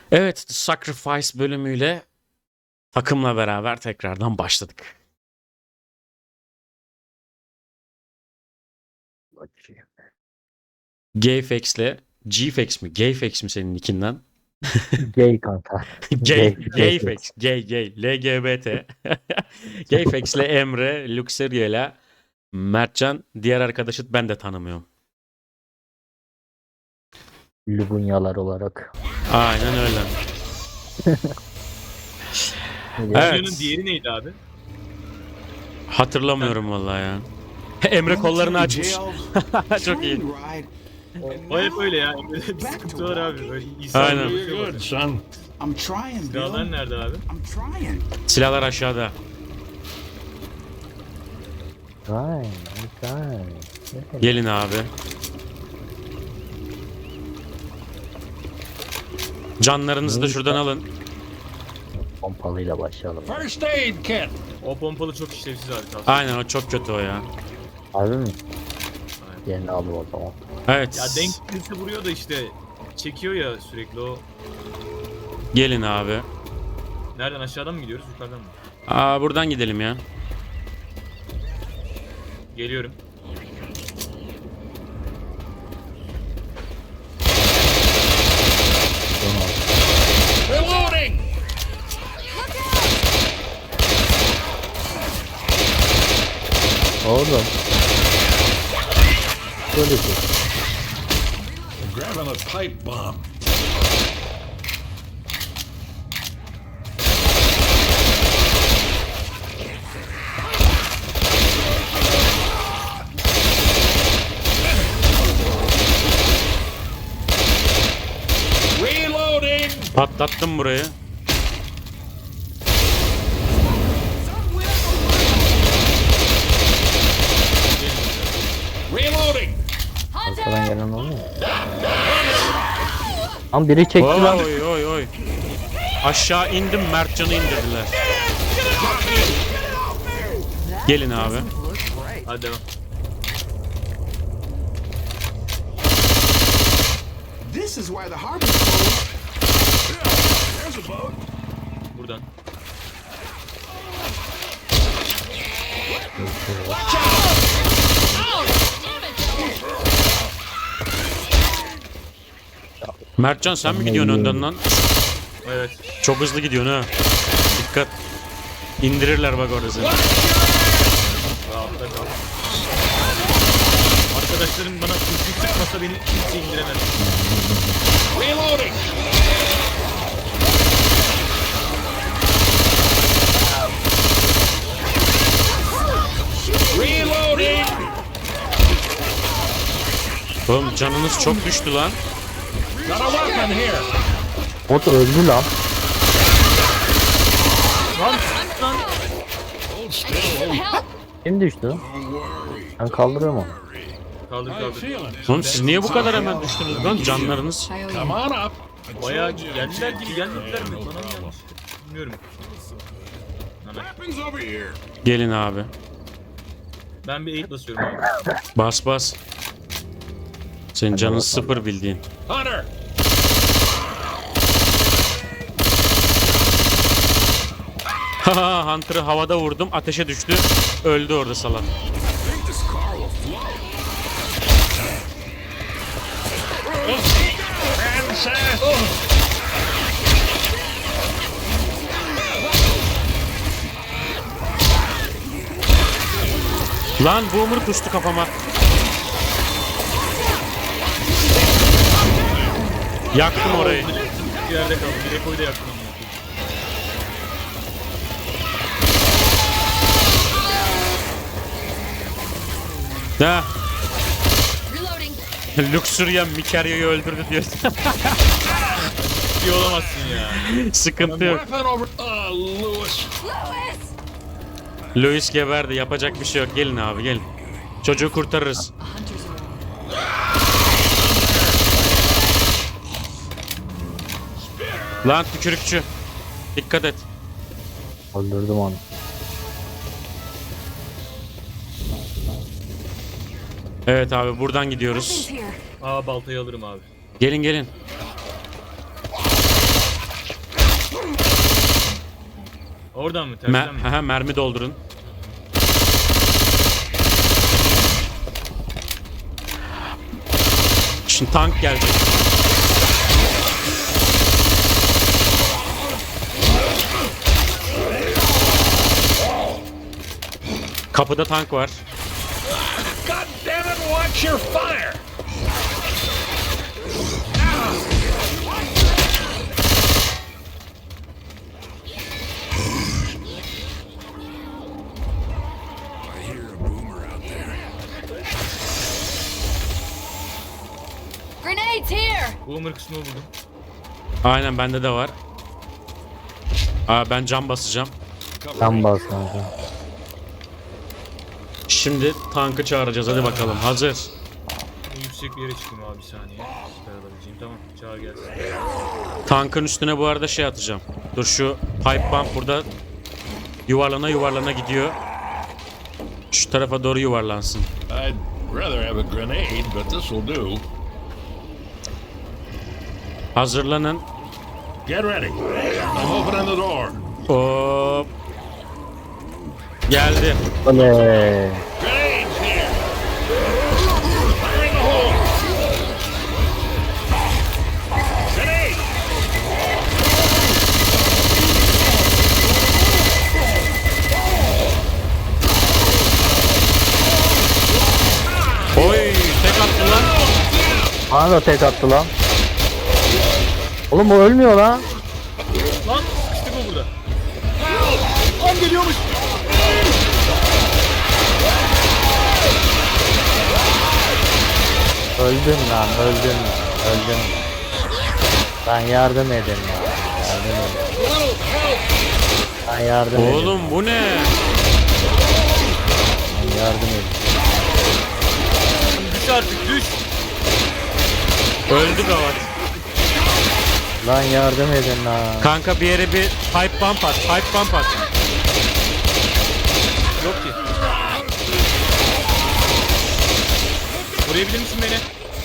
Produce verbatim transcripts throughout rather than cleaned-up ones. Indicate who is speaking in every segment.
Speaker 1: Evet, The Sacrifice bölümüyle takımla beraber tekrardan başladık. Gayfex'le Gfex mi? Gayfex mi senin nickinden?
Speaker 2: Gay kanka.
Speaker 1: Gay,
Speaker 2: Gay.
Speaker 1: Gayfex, Gay, Gay, L G B T. Gayfex'le Emre, Luxeria'yla Mertcan, diğer arkadaşı ben de tanımıyorum.
Speaker 2: Lubunyalar olarak.
Speaker 1: Aynen öyle.
Speaker 3: Videonun
Speaker 1: Evet.
Speaker 3: diğeri neydi abi?
Speaker 1: Hatırlamıyorum vallahi ya. Emre kollarını açmış. Çok iyi.
Speaker 3: O hep öyle ya. Bir sıkıntı var abi. Böyle İsa
Speaker 1: Aynen.
Speaker 3: böyle bir şey var.
Speaker 4: Good, son.
Speaker 5: I'm trying, Bill.
Speaker 3: Silahlar nerede abi?
Speaker 5: I'm trying.
Speaker 1: Silahlar aşağıda.
Speaker 2: Vay, vay.
Speaker 1: Gelin abi. Canlarınızı da şuradan alın.
Speaker 2: Pompalıyla başlayalım.
Speaker 4: First aid kit.
Speaker 3: O pompalı çok işlevsiz abi. tavsiye.
Speaker 1: Aynen, o çok kötü o ya.
Speaker 2: Harbi mi?
Speaker 3: Aynen.
Speaker 2: Yerini al o zaman.
Speaker 1: Evet.
Speaker 3: Ya denk birisi vuruyor da işte çekiyor ya sürekli o.
Speaker 1: Gelin abi.
Speaker 3: Nereden, aşağıdan mı gidiyoruz, yukarıdan mı?
Speaker 1: Aa, buradan gidelim ya.
Speaker 3: Geliyorum.
Speaker 4: Reloading.
Speaker 2: Oğlum. Böyle bir.
Speaker 4: Grabbing a pipe bomb. Reloading.
Speaker 1: Patlattım burayı.
Speaker 4: Reloading.
Speaker 2: Arkadan gelen oluyor mu? Lan biri çekti lan.
Speaker 1: Oy oy oy. Aşağı indim, Mertcan'ı indirdiler. Gelin abi.
Speaker 3: Hadi devam.
Speaker 5: This is why the harbor's closed.
Speaker 4: There's a boat.
Speaker 3: Buradan.
Speaker 1: Mertcan, sen mi gidiyorsun önden lan?
Speaker 3: Evet.
Speaker 1: Çok hızlı gidiyorsun ha. Dikkat. İndirirler bak orada seni.
Speaker 3: Rahatta kal. Arkadaşlarım bana kurşun sıkmasa beni kimse indiremez.
Speaker 4: Reloading. Reloading.
Speaker 1: Oğlum canınız çok düştü lan.
Speaker 4: Got a weapon here.
Speaker 2: O da öldü lan.
Speaker 4: Hold still.
Speaker 2: Kim düştü? Ben kaldırıyorum onu.
Speaker 3: Kaldır
Speaker 4: How you
Speaker 3: kaldır.
Speaker 4: feeling?
Speaker 1: Oğlum siz niye bu kadar hemen düştünüz lan, canlarınız?
Speaker 4: Come on up.
Speaker 3: Bayağı geldiler gibi gelmediler mi? Bana mı gelmiş? Bilmiyorum. Hemen.
Speaker 4: Weapons over here.
Speaker 1: Gelin abi.
Speaker 3: Ben bir eğit basıyorum abi.
Speaker 1: Bas bas. Senin canın sıfır bildiğin.
Speaker 4: Hunter.
Speaker 1: Haha, Hunter'ı havada vurdum, ateşe düştü. Öldü orada salak.
Speaker 4: Think this car will float. Princess.
Speaker 1: Lan boomer kustu kafama. Yaktım orayı.
Speaker 3: Bir yerde kaldı. Bir ekoyu da yaktım.
Speaker 1: Ha,
Speaker 6: Reloading.
Speaker 1: Luxurian Mikarya'yı öldürdü diyor.
Speaker 3: İyi olamazsın ya.
Speaker 1: Sıkıntı yok.
Speaker 4: Weapon over. Uh, Lewis.
Speaker 6: Louis!
Speaker 1: Louis geberdi, yapacak bir şey yok. Gelin abi, gelin. Çocuğu kurtarırız. Lan tükürükçü. Dikkat et.
Speaker 2: Öldürdüm onu.
Speaker 1: Evet abi, buradan gidiyoruz.
Speaker 6: Here.
Speaker 3: Aa, baltayı alırım abi.
Speaker 1: Gelin gelin.
Speaker 3: Oradan mı?
Speaker 1: Mer
Speaker 3: Tersten mi?
Speaker 1: Aha, mermi doldurun. Şimdi tank gelecek. Kapıda tank var.
Speaker 4: God damn it, watch your fire! I hear a boomer out there.
Speaker 6: Grenades here!
Speaker 3: Boomer kısmını buldum.
Speaker 1: Aynen bende de var. Aa, ben cam basacağım.
Speaker 2: Sen bas kanka.
Speaker 1: Şimdi tankı çağıracağız, hadi bakalım. Hazır.
Speaker 3: En yüksek bir yere çıkayım abi bir saniye. Süper alabileceğim. Tamam çağır gelsin.
Speaker 1: Tankın üstüne bu arada şey atacağım. Dur, şu pipe bomb burada yuvarlana yuvarlana gidiyor. Şu tarafa doğru yuvarlansın.
Speaker 4: I'd rather have a grenade, but this will do.
Speaker 1: Hazırlanın.
Speaker 4: Get ready. I'm opening the door.
Speaker 1: Hop. Geldi.
Speaker 2: Oley.
Speaker 4: Grenades here. Fire in the hole. Grenade.
Speaker 1: Oy, tek attı lan.
Speaker 2: Bana da tek attı lan. Oğlum o ölmüyor lan.
Speaker 3: Lan sıkıştık o burada. Lan geliyormuş.
Speaker 2: Öldüm lan öldüm öldüm. Ben yardım edin ya. Yardım edin. Ben yardım edin.
Speaker 1: Oğlum bu ne?
Speaker 2: Ben yardım edin.
Speaker 3: Düş artık düş.
Speaker 1: Öldü gavat.
Speaker 2: Lan yardım edin lan.
Speaker 1: Kanka bir yere bir pipe bomb at. Pipe bomb at.
Speaker 3: Yok ki. Koruyabilir misin beni?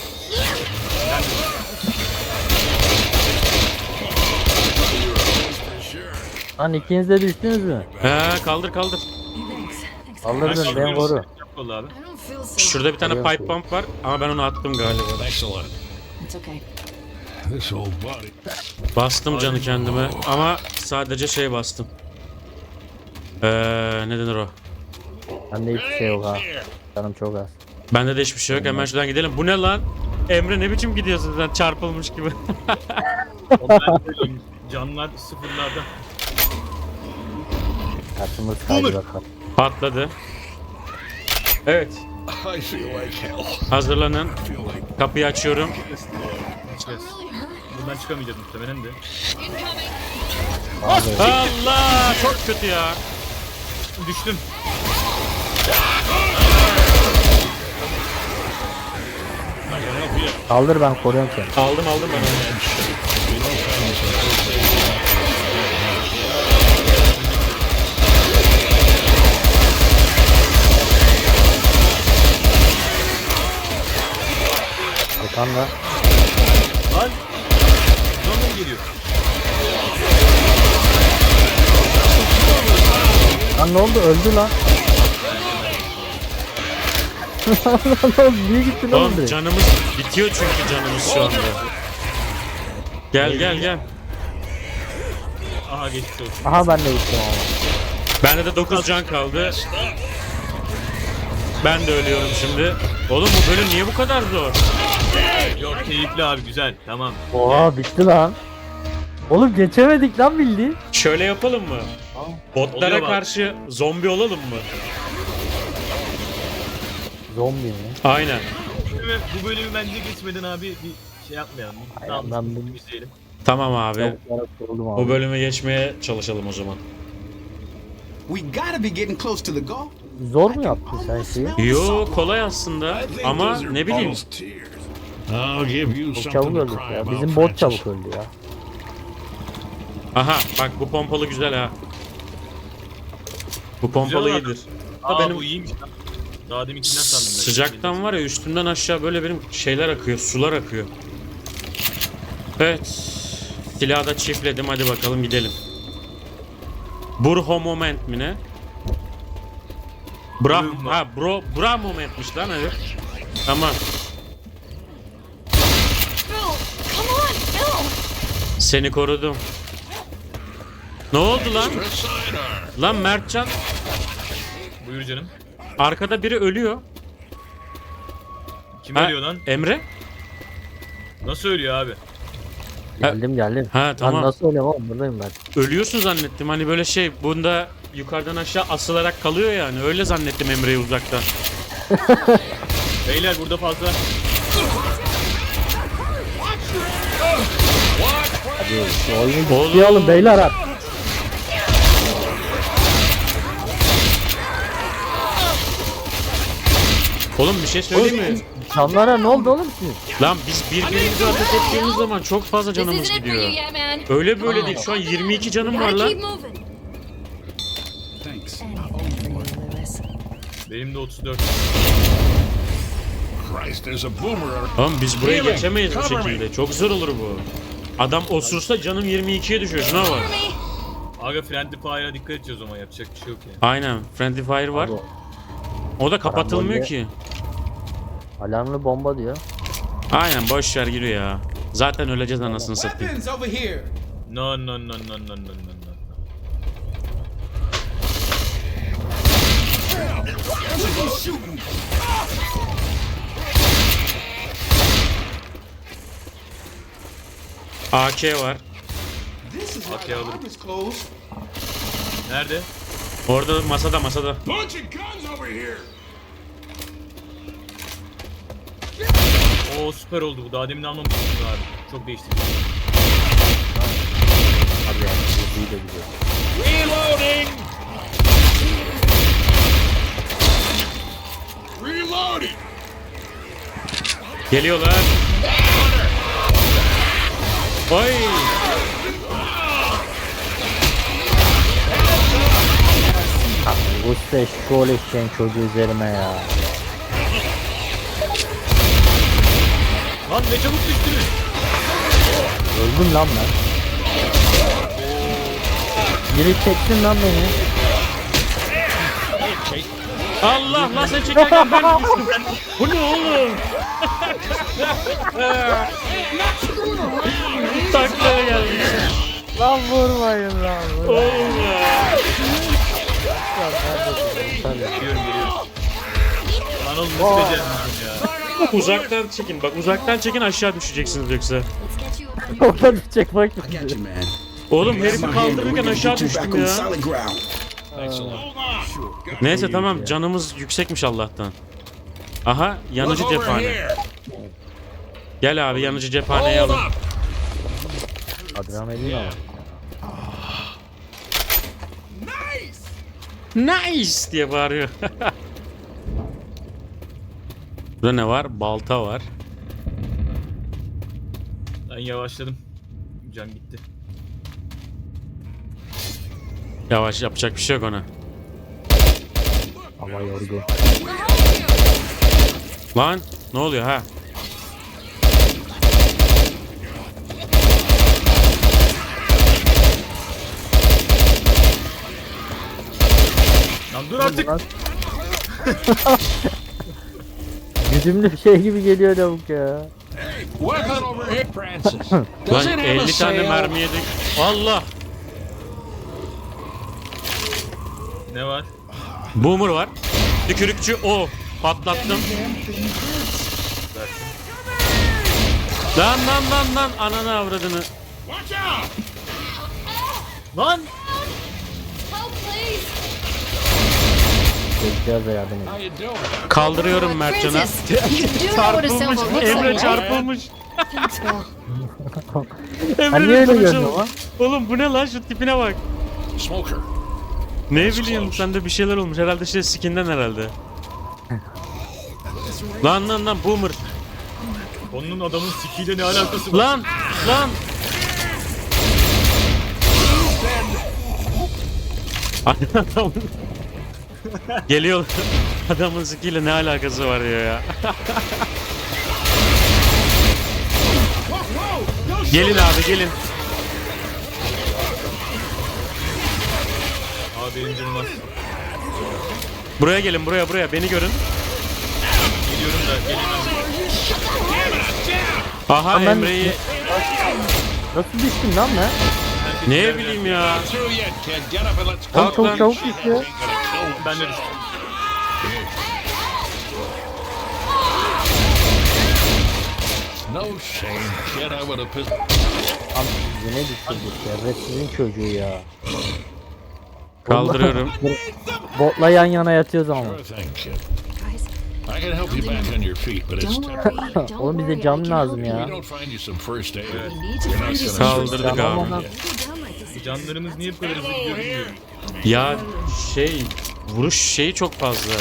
Speaker 2: Lan ikiniz de düştünüz mü?
Speaker 1: He, kaldır kaldır.
Speaker 2: Kaldırdın ben koru.
Speaker 3: Yap vallahi abi.
Speaker 6: I don't feel so.
Speaker 1: Şurada bir tane
Speaker 2: Koruyorum.
Speaker 1: pipe bomb var ama ben onu attım galiba.
Speaker 4: Excellent.
Speaker 6: It's okay.
Speaker 4: This old body.
Speaker 1: Bastım canı kendime ama sadece şey bastım. Ee, ne denir o?
Speaker 2: Bende hiçbir şey yok ha.
Speaker 4: Grenades here.
Speaker 2: Canım çok az.
Speaker 1: Bende de hiçbir şey yok. Hemen şuradan gidelim. Bu ne lan? Emre ne biçim gidiyorsun sen, çarpılmış gibi.
Speaker 3: Ondan böyleyim. Canlar sıfırlarda.
Speaker 2: Kartımız kaydı
Speaker 3: Boomer.
Speaker 2: bakalım.
Speaker 1: Patladı. Evet.
Speaker 4: I feel like hell.
Speaker 1: Hazırlanın.
Speaker 4: I feel like
Speaker 1: Kapıyı açıyorum.
Speaker 3: Çıkacağız. Buradan çıkamayacağız muhtemelen de.
Speaker 2: Abi,
Speaker 1: Allah, çok kötü ya.
Speaker 3: Düştüm.
Speaker 2: kaldır ben koruyorum seni.
Speaker 1: Aldım aldım ben onu.
Speaker 2: Bakan da.
Speaker 3: Lan. Buradan mı geliyor?
Speaker 2: Lan ne oldu öldü lan. Lan niye gittin oğlum
Speaker 1: Oğlum
Speaker 2: direkt?
Speaker 1: canımız bitiyor çünkü canımız şu anda. Gel gel gel.
Speaker 3: Aha geçmiş olsun.
Speaker 2: Aha ben de gittim ama.
Speaker 1: Bende de dokuz can kaldı. Ben de ölüyorum şimdi. Oğlum bu bölüm niye bu kadar zor?
Speaker 3: Yok keyifli abi güzel. Tamam.
Speaker 2: Oha bitti lan. Oğlum geçemedik lan bildiğin.
Speaker 1: Şöyle yapalım mı? Botlara
Speaker 3: Oluyor bak.
Speaker 1: karşı zombi olalım mı?
Speaker 2: Zombi mi?
Speaker 1: Aynen.
Speaker 3: Ve bu bölümü bence geçmeden abi bir şey yapmayalım. Bir
Speaker 2: Aynen,
Speaker 3: daha
Speaker 2: ben bunu-
Speaker 3: izleyelim.
Speaker 1: Tamam abi.
Speaker 2: Tavuklara kuruldum abi.
Speaker 1: O bölüme geçmeye çalışalım o zaman.
Speaker 5: We gotta be getting close to the goal.
Speaker 2: Zor mu yaptın sen şeyi?
Speaker 1: Yo, kolay aslında
Speaker 4: I think
Speaker 1: ama
Speaker 4: those are
Speaker 1: ne bileyim.
Speaker 4: Paul's tears. I'll give you
Speaker 2: Çok
Speaker 4: something
Speaker 2: çabuk
Speaker 4: to
Speaker 2: öldük
Speaker 4: cry
Speaker 2: ya.
Speaker 4: about,
Speaker 2: Bizim bot
Speaker 4: Francis.
Speaker 2: çabuk öldü ya.
Speaker 1: Aha bak bu pompalı güzel ha. Bu pompalı
Speaker 3: Güzel
Speaker 1: iyidir.
Speaker 3: Aa
Speaker 1: benim-
Speaker 3: bu iyiymiş lan. Daha deminkinden sandım ben.
Speaker 1: Sıcaktan var ya üstümden aşağı böyle benim şeyler akıyor, sular akıyor. Evet. Silahı da çiftledim, hadi bakalım gidelim. Burho moment mi ne? Bra
Speaker 3: Buyurun lan.
Speaker 1: ha bro bra momentmiş lan herif. Tamam.
Speaker 6: Bill, come on, Bill.
Speaker 1: Seni korudum. Ne oldu lan? Lan Mertcan
Speaker 3: Buyur canım.
Speaker 1: arkada biri ölüyor.
Speaker 3: Kim
Speaker 1: Ha,
Speaker 3: ölüyor lan?
Speaker 1: Emre?
Speaker 3: Nasıl ölüyor abi?
Speaker 2: Geldim geldim.
Speaker 1: Ha
Speaker 2: Ben
Speaker 1: tamam.
Speaker 2: nasıl öyle oğlum, buradayım ben.
Speaker 1: Ölüyorsun zannettim. Hani böyle şey bunda yukarıdan aşağı asılarak kalıyor yani. Öyle zannettim Emre'yi uzaktan.
Speaker 3: Beyler burada fazla.
Speaker 2: Hadi şu oyunu
Speaker 1: Oğlum.
Speaker 2: ciddiye alın beyler artık.
Speaker 1: Oğlum bir şey söyleyeyim mi?
Speaker 2: Canlara ne oldu oğlum siz?
Speaker 1: Lan biz birbirimizi ateş ettiğimiz zaman çok fazla
Speaker 6: This
Speaker 1: canımız
Speaker 6: isn't it for you
Speaker 1: gidiyor.
Speaker 6: yet, man.
Speaker 1: Öyle böyle değil. Şu an yirmi iki canım var
Speaker 6: Gotta keep
Speaker 1: lan.
Speaker 6: moving.
Speaker 5: Thanks.
Speaker 3: Benim de otuz dört.
Speaker 4: Christ, there's a boomer.
Speaker 1: Oğlum biz buraya
Speaker 4: Healing,
Speaker 1: geçemeyiz bu
Speaker 4: cover me.
Speaker 1: şekilde. Çok zor olur bu. Adam osursa canım yirmi ikiye düşüyor. Şuna bak.
Speaker 6: Cover me.
Speaker 3: Aga Friendly Fire'a dikkat edeceğiz o zaman, yapacak bir şey yok yani.
Speaker 1: Aynen. Friendly Fire var.
Speaker 2: Abi,
Speaker 1: O da kapatılmıyor
Speaker 2: Karambolde-
Speaker 1: ki.
Speaker 2: alarmlı bomba diyor.
Speaker 1: Aynen boş ver giriyor ya. Zaten öleceğiz anasını satayım.
Speaker 5: Weapons over here.
Speaker 3: No no no no no no no no.
Speaker 1: A K var.
Speaker 5: This is why
Speaker 3: Okay,
Speaker 5: the
Speaker 3: I'll-
Speaker 5: harbor's closed.
Speaker 3: Nerede?
Speaker 1: Orada masada masada.
Speaker 4: Bunch of guns over here.
Speaker 3: Oo süper oldu bu. Daha demin almamıştım abi. Çok değişti.
Speaker 2: Abi yani iyi de gidiyor.
Speaker 4: Reloading. Reloading.
Speaker 1: Geliyorlar. Oy.
Speaker 2: Usta şol eşeğin çocuğu üzerime ya.
Speaker 3: Lan ne çabuk düştünüz.
Speaker 2: Öldüm lan ben. Biri çeksin lan beni.
Speaker 1: Allah lan sen çekerken ben düştüm. Bu ne oğlum? Taklaya geldi.
Speaker 2: Lan vurmayın lan. Vur.
Speaker 1: Oğlum ya.
Speaker 2: Tabii.
Speaker 3: Geliyorum geliyorum. Lan oğlum nasıl beceremeyeceğim ya.
Speaker 1: Uzaktan çekin. Bak uzaktan çekin aşağı düşeceksiniz yoksa.
Speaker 6: Let's get you up on your
Speaker 2: Orada düşecek bak.
Speaker 5: I got you, man.
Speaker 1: Oğlum
Speaker 5: That's
Speaker 1: herifi
Speaker 5: my hand, and we're
Speaker 1: kaldırırken
Speaker 5: gonna
Speaker 1: aşağı
Speaker 5: get you back
Speaker 1: düştüm
Speaker 5: on
Speaker 1: ya.
Speaker 5: solid ground.
Speaker 4: Excellent. Hold on.
Speaker 1: Neyse tamam canımız yüksekmiş Allah'tan. Aha yanıcı
Speaker 4: Look over
Speaker 1: cephane.
Speaker 4: here.
Speaker 1: Gel abi yanıcı cephaneyi
Speaker 4: Hold
Speaker 1: alın.
Speaker 4: up.
Speaker 2: Adrenalin ama.
Speaker 1: Nice diye bağırıyor. Burada ne var? Balta var.
Speaker 3: Ben yavaşladım. Can gitti.
Speaker 1: Yavaş yapacak bir şey yok ona.
Speaker 2: Hava yordu.
Speaker 1: Lan ne oluyor ha?
Speaker 3: Lan dur artık.
Speaker 2: Lan. Güdümlü bir şey gibi geliyor lavuk ya.
Speaker 4: Weapon over here, Francis. Does
Speaker 1: Lan
Speaker 4: it have a
Speaker 1: elli tane
Speaker 4: sail?
Speaker 1: mermi yedik. Allah!
Speaker 3: Ne var?
Speaker 1: Boomer var. Tükürükçü o. Patlattım. Lan lan lan lan ananı avradını.
Speaker 4: Watch out.
Speaker 3: Lan!
Speaker 6: help, please.
Speaker 2: Bekliyoruz da yardım edin.
Speaker 4: How you doing?
Speaker 1: Kaldırıyorum Mertcan'a.
Speaker 6: Francis, you do know what a silver
Speaker 1: Çarpılmış.
Speaker 6: looks
Speaker 1: Emre
Speaker 6: like, right?
Speaker 1: çarpılmış.
Speaker 6: Thanks, Bill.
Speaker 2: Hani
Speaker 1: Emre'nin
Speaker 2: öyle
Speaker 1: duruşu.
Speaker 2: görünüyor lan?
Speaker 1: Oğlum bu ne lan şu tipine bak.
Speaker 4: Smoker.
Speaker 1: Ne
Speaker 4: That's
Speaker 1: bileyim
Speaker 4: close.
Speaker 1: sende bir şeyler olmuş herhalde şey skinden herhalde. Lan lan lan boomer.
Speaker 3: Onun adamın sikiyle ne alakası var?
Speaker 1: Lan lan. Adamın geliyor. Adamın skiyle ne alakası var diyor ya. gelin abi gelin.
Speaker 3: benim canım az.
Speaker 1: Buraya gelin, buraya buraya beni görün.
Speaker 3: Geliyorum da gelemem.
Speaker 1: Aha
Speaker 2: Ama ben-
Speaker 1: Emre'yi
Speaker 2: Nasıl düştün lan ben?
Speaker 1: ne bileyim ya.
Speaker 4: Through yet, kid. Get up and let's
Speaker 2: Oğlum
Speaker 1: Kalk
Speaker 2: çok
Speaker 1: lan.
Speaker 2: çabuk düşüyor.
Speaker 3: Ben de düştüm.
Speaker 4: No shame, kid. I would have pissed.
Speaker 2: Am yine düşürdük ya. Resizin çocuğu ya.
Speaker 1: Kaldırıyorum.
Speaker 2: Botla yan yana yatıyoruz ama.
Speaker 4: Sure thing, kid.
Speaker 6: Guys,
Speaker 4: I can help you back on your feet, but it's
Speaker 6: don't
Speaker 4: temporary.
Speaker 6: worry. Don't
Speaker 2: Oğlum bize
Speaker 6: worry, I
Speaker 2: cam
Speaker 6: can
Speaker 2: lazım
Speaker 6: help
Speaker 2: ya.
Speaker 4: We don't find you some first aid.
Speaker 6: you. We need to find you some
Speaker 1: Kaldırdık abi.
Speaker 2: Tamam.
Speaker 6: Go down like this.
Speaker 3: Canlarımız niye bu kadar hızlı gidiyor bilmiyorum.
Speaker 1: Ya şey vuruş şeyi çok fazla.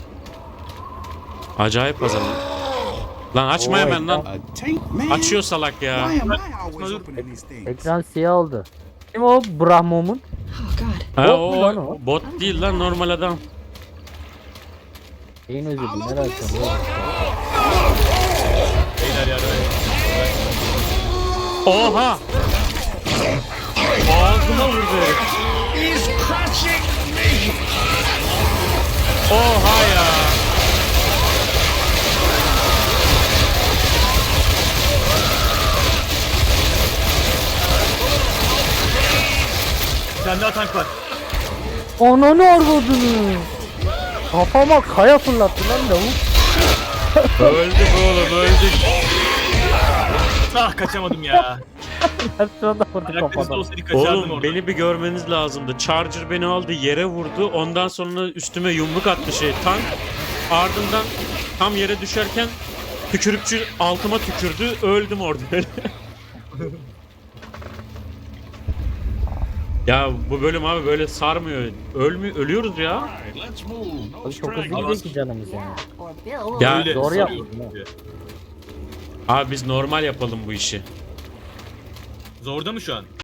Speaker 1: Acayip fazla. Lan açma hemen lan.
Speaker 5: A tank, man?
Speaker 1: Açıyor salak ya.
Speaker 5: Why am I always opening these things?
Speaker 2: Ekran siyah oldu. Kim o Brahmo'mun?
Speaker 6: Oh God.
Speaker 1: Ha,
Speaker 2: Bot mu lan
Speaker 1: o
Speaker 2: o?
Speaker 1: bot değil lan, normal adam.
Speaker 2: Neyin özür
Speaker 5: I'll
Speaker 2: dilerim.
Speaker 5: open
Speaker 2: Merak
Speaker 5: this.
Speaker 2: ettim.
Speaker 3: Beyler yardım edin.
Speaker 1: Oha! Ağzıma vurdu herif.
Speaker 4: He's crushing me.
Speaker 1: Oha ya!
Speaker 3: Bir tane daha tank var.
Speaker 2: Ananı arvadını. Kafama kaya fırlattı lan lavuk.
Speaker 1: Öldük oğlum, öldük.
Speaker 3: Ah kaçamadım ya.
Speaker 2: Şurada vurdu
Speaker 3: Ayaklarınızda
Speaker 2: kafadan.
Speaker 3: olsaydı kaçardım
Speaker 1: Oğlum
Speaker 3: orada.
Speaker 1: beni bir görmeniz lazımdı. Charger beni aldı, yere vurdu. Ondan sonra üstüme yumruk attı şey tank. Ardından tam yere düşerken tükürükçü altıma tükürdü. Öldüm orada. Ya bu bölüm abi böyle sarmıyor. Ölmüyor, ölüyoruz ya.
Speaker 4: All right, let's move. No
Speaker 2: Abi çok hızlı
Speaker 4: stragglers.
Speaker 2: gidiyor ki canımız yani.
Speaker 6: Or Bill.
Speaker 1: Ya
Speaker 3: Öyle
Speaker 2: Doğru
Speaker 3: sarıyor.
Speaker 2: yaptın
Speaker 1: abi biz normal yapalım bu işi.
Speaker 3: Zorda mı şu an?